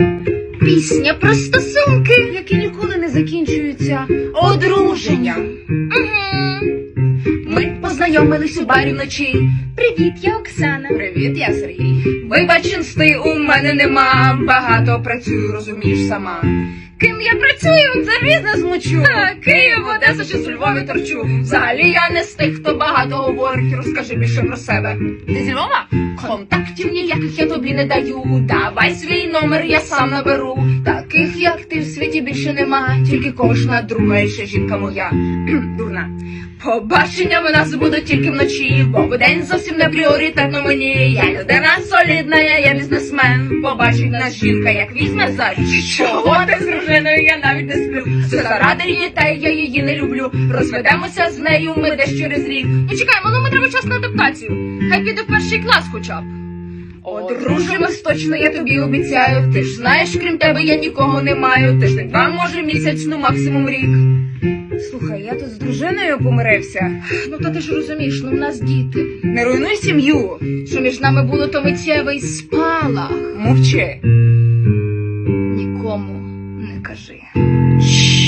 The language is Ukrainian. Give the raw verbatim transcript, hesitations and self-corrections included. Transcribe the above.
Пісня про стосунки, які ніколи не закінчуються одруженням. Угу. Ми познайомились у барі вночі. Привіт, я Оксана. Привіт, я Сергій. Вибач, інсти у мене нема. Багато працюю, розумієш сама. Ким я працюю, за бізнес мучу. Київ, Одеса чи з Львові торчу. Взагалі я не з тих, хто багато говорить. Розкажи більше про себе. Ти зі Львова? Контактів ніяких я тобі не даю. Давай свій номер, я сам наберу. Таких, як ти, в світі більше нема. Тільки кожна друга і ще жінка моя. Дурна. Побачення в нас будуть тільки вночі, бо вдень зовсім не пріоритетно мені. Я людина солідна, я є бізнесмен. Побачить нас жінка, як візьме за річ. Чого ти з дружиною, я навіть не сплю. Все заради дітей, я її не люблю. Розведемося з нею ми десь через рік. Ну чекай, малому треба час на адаптацію. Хай піде в перший клас хоча б. Одружимось точно, я тобі обіцяю. Ти ж знаєш, крім тебе я нікого не маю. Тиждень, два, може місяць, ну максимум рік. Слухай, я тут з дружиною помирився. Ну та ти ж розумієш, ну в нас діти. Не руйнуй сім'ю. Що між нами було, то миттєвий спалах. Мовчи. Нікому не кажи.